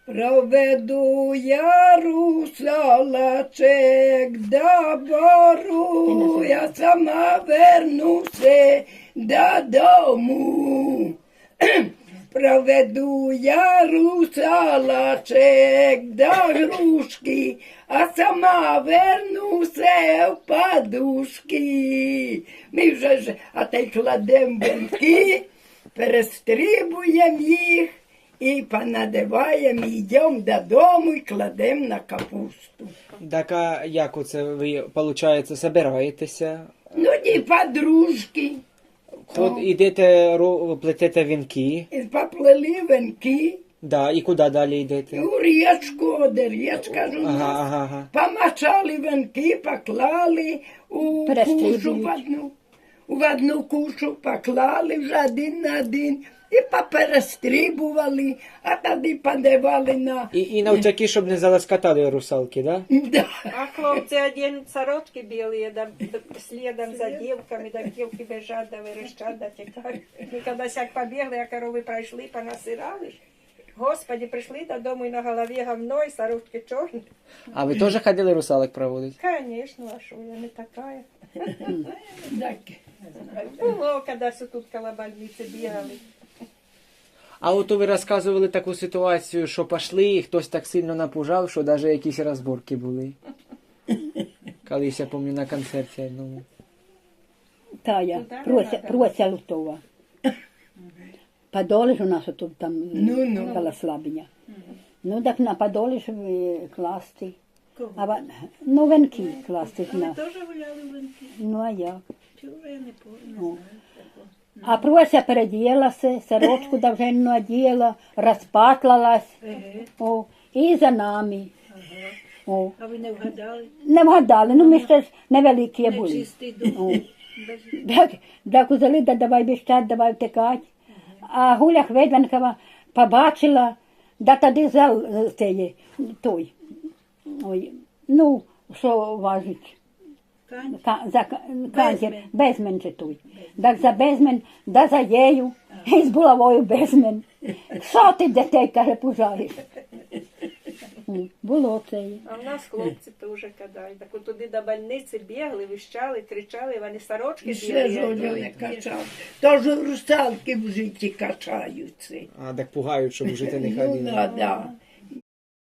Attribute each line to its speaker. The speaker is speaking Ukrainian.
Speaker 1: Проведу я русалочек до бору, я сама вернуся додому. Проведу я русалочек до грушки, а сама вернуся в подушки. Ми вже ж, а та й кладем венки, перестрибуємо їх і понадиваємо, йдемо додому і кладемо на капусту.
Speaker 2: Так, а як оце ви, виходить, собираєтеся?
Speaker 1: Ну, ті подружки.
Speaker 2: Ідете, плетете вінки,
Speaker 1: І поплели венки,
Speaker 2: да, і куди далі йдете?
Speaker 1: у річку, де річка ж у нас.
Speaker 2: Ага.
Speaker 1: Помачали венки, поклали у кушу в одну кушу поклали вже один на один і поперестрибували, а тоді подавали на...
Speaker 2: І навтяки, щоб не заласкатали русалки, да?
Speaker 1: Да.
Speaker 3: А хлопцы оденут сорочки белые, да, следом за девками, да, девки бежат, да, верещат, да, текают. И когда сяк побегли, а коровы прошли, понасирали ж. Господи, пришли додому и на голове говно, и сорочки черные.
Speaker 2: А ви теж ходили русалок проводити?
Speaker 3: Конечно, а шо, я не такая.
Speaker 1: Так.
Speaker 3: Было, когда все тут коло больницы бегали.
Speaker 2: А от ви розказували таку ситуацію, що пішли, і хтось так сильно напужав, що навіть якісь розборки були. Колись, я пам'ятаю, на концерті одному.
Speaker 4: Тая,
Speaker 3: Ну,
Speaker 4: Прося Лутова. Подолі ж у нас тут там
Speaker 1: Ну.
Speaker 4: коло Слабіня. Ну так на Подолі ж класти. Ну венки класти ж на.
Speaker 3: Тоже гуляли в венки?
Speaker 4: Ну а як?
Speaker 3: Чего я не помню.
Speaker 4: А Прося переділася, сорочку довженну оділа, розпатлалась. О, і за нами. О.
Speaker 3: А ви не вгадали?
Speaker 4: Не вгадали, ну ми ще ж невеликі були.
Speaker 3: Чистий дух.
Speaker 4: О. Так узяли, да давай біжать, давай втекать. А Гуля Хведвенкова побачила, да тоді зал цей, той, ой, ну, що важить, канцер, безмен же той. Так за безмен, да за ею, і з булавою безмен. Що ти дітей, каже, пужаєш? Було це.
Speaker 3: А в нас хлопці теж кадають. Так от туди до больниці бігли, вищали, кричали, вони сорочки
Speaker 1: Ще ж
Speaker 3: білі.
Speaker 1: Оля не качав. Тож русалки в житті качаються.
Speaker 2: А, так пугають, щоб жити не
Speaker 1: Ну,
Speaker 2: ходили.
Speaker 1: да.